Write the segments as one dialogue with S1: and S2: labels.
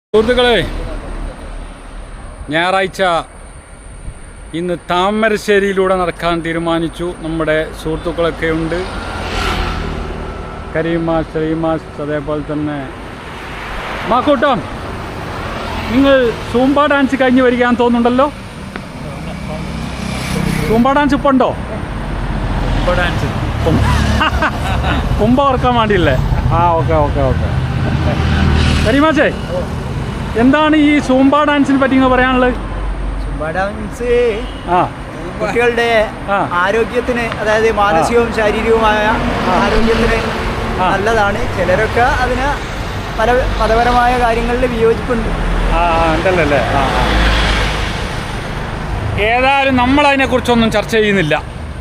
S1: സുഹൃത്തുക്കളെ, ഞായറാഴ്ച ഇന്ന് താമരശ്ശേരിയിലൂടെ നടക്കാൻ തീരുമാനിച്ചു. നമ്മുടെ സുഹൃത്തുക്കളൊക്കെ ഉണ്ട്, കരീമാസ്, ശ്രീമാസ്, അതേപോലെ തന്നെ മാക്കൂട്ടം. നിങ്ങൾ സൂംബ ഡാൻസ് കഴിഞ്ഞ് വരികയാണെന്ന് തോന്നുന്നുണ്ടല്ലോ. സൂംബ ഡാൻസ് ഇപ്പോൾ ഉണ്ടോ? കുംഭ ഓർക്കാൻ വേണ്ടിയില്ലേ? Okay okay okay. കരീമാസേ, എന്താണ് ഈ സൂംബ ഡാൻസിനെ പറ്റി പറയാനുള്ളത്?
S2: സൂംബ ഡാൻസ് കുട്ടികളുടെ ആരോഗ്യത്തിന്, അതായത് മാനസികവും ശാരീരികവുമായ ആരോഗ്യത്തിന് നല്ലതാണ്. ചിലരൊക്കെ അതിന് പല മതപരമായ കാര്യങ്ങളിൽ വിയോജിപ്പുണ്ട്.
S1: ഉണ്ടല്ലേ? ഏതായാലും നമ്മളതിനെക്കുറിച്ചൊന്നും ചർച്ച ചെയ്യുന്നില്ല.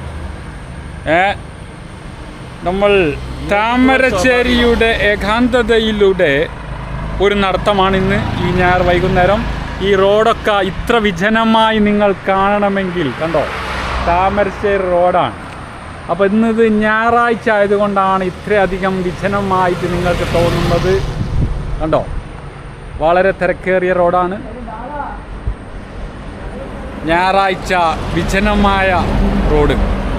S1: നമ്മൾ താമരശ്ശേരിയുടെ ഏകാന്തതയിലൂടെ ഒരു നടത്തമാണ് ഇന്ന് ഈ ഞായർ വൈകുന്നേരം. ഈ റോഡൊക്കെ ഇത്ര വിജനമായി നിങ്ങൾ കാണണമെങ്കിൽ കണ്ടോ, താമരശ്ശേരി റോഡാണ്. അപ്പോൾ ഇന്നിത് ഞായറാഴ്ച ആയതുകൊണ്ടാണ് ഇത്രയധികം വിജനമായിട്ട് നിങ്ങൾക്ക് തോന്നുന്നത്. കണ്ടോ, വളരെ തിരക്കേറിയ റോഡാണ്. ഞായറാഴ്ച വിജനമായ റോഡ്.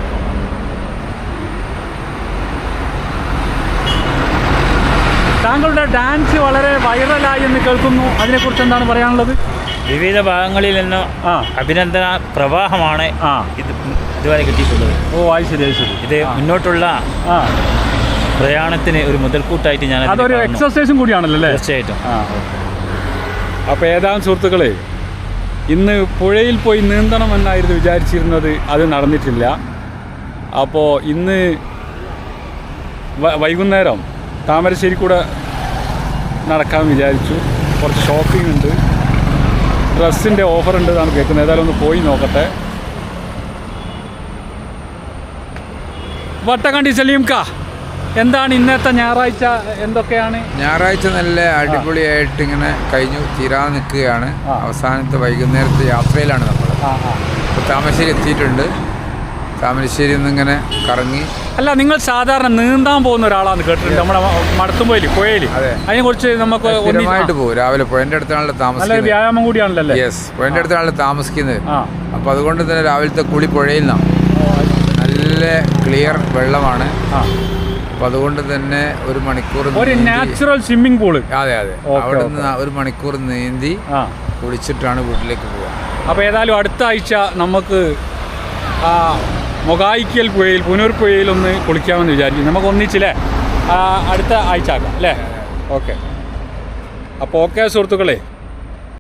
S1: താങ്കളുടെ ഡാൻസ് വളരെ വൈറലായി എന്ന് കേൾക്കുന്നു. അതിനെക്കുറിച്ച് എന്താണ് പറയാനുള്ളത്?
S3: വിവിധ ഭാഗങ്ങളിൽ നിന്ന് അഭിനന്ദന പ്രവാഹമാണ് ഇതുവരെ കിട്ടിയിട്ടുള്ളത്.
S1: അത് ശരി.
S3: ഇത് മുന്നോട്ടുള്ള പ്രയാണത്തിന് ഒരു മുതൽക്കൂട്ടായിട്ട് ഞാൻ
S1: അതൊരു എക്സർസൈസും കൂടിയാണല്ലോ അല്ലേ?
S3: തീർച്ചയായിട്ടും.
S1: അപ്പോൾ ഏതാനും സുഹൃത്തുക്കളെ, ഇന്ന് പുഴയിൽ പോയി നീന്തണമെന്നായിരുന്നു വിചാരിച്ചിരുന്നത്. അത് നടന്നിട്ടില്ല. അപ്പോൾ ഇന്ന് വൈകുന്നേരം താമരശ്ശേരി കൂടെ നടക്കാൻ വിചാരിച്ചു. കുറച്ച് ഷോപ്പിംഗ് ഉണ്ട്, ഡ്രസ്സിൻ്റെ ഓഫർ ഉണ്ട് എന്നാണ് കേൾക്കുന്നത്. ഏതായാലും ഒന്ന് പോയി നോക്കട്ടെ. വട്ടക്കണ്ടി സലീംക്ക, എന്താണ് ഇന്നത്തെ ഞായറാഴ്ച? എന്തൊക്കെയാണ്?
S4: ഞായറാഴ്ച നല്ല അടിപൊളിയായിട്ട് ഇങ്ങനെ കഴിഞ്ഞു തീരാതെ നിൽക്കുകയാണ്. അവസാനത്തെ വൈകുന്നേരത്തെ യാത്രയിലാണ് നമ്മൾ. ഇപ്പോൾ താമരശ്ശേരി എത്തിയിട്ടുണ്ട്. താമരശ്ശേരി ഇങ്ങനെ കറങ്ങി.
S1: അല്ല, നിങ്ങൾ സാധാരണ നീന്താൻ പോകുന്ന ഒരാളാണ് കേട്ടിട്ടുണ്ട്, നമ്മുടെ മടത്തുമ്പോയിൽ പുഴയിൽ. അതിനെ കുറിച്ച് നമുക്ക്
S4: സ്ഥിരമായിട്ട് പോകും. രാവിലെ പുഴൻ്റെ അടുത്താണല്ലോ താമസിക്കുന്നത്.
S1: വ്യായാമം കൂടിയാണല്ലോ.
S4: യെസ്, പുഴൻ്റെ അടുത്താണല്ലോ താമസിക്കുന്നത്. അപ്പോൾ അതുകൊണ്ട് തന്നെ രാവിലത്തെ കുളി പുഴയിൽ നിന്നാണ്. നല്ല ക്ലിയർ വെള്ളമാണ്. അപ്പോൾ അതുകൊണ്ട് തന്നെ ഒരു മണിക്കൂർ
S1: ഒരു നാച്ചുറൽ സ്വിമ്മിംഗ് പൂള്.
S4: അതെ. അവിടെ നിന്ന് ഒരു മണിക്കൂർ നീന്തി കുളിച്ചിട്ടാണ് വീട്ടിലേക്ക് പോവുക.
S1: അപ്പോൾ ഏതായാലും അടുത്ത ആഴ്ച നമുക്ക് മൊഗായിക്കൽ പുഴയിൽ, പുനൂർ പുഴയിൽ ഒന്ന് കുളിക്കാമെന്ന് വിചാരിക്കും. നമുക്ക് ഒന്നിച്ചില്ലേ അടുത്ത ആഴ്ച ആക്കാം അല്ലേ? ഓക്കെ. അപ്പോൾ ഓക്കെ സുഹൃത്തുക്കളെ.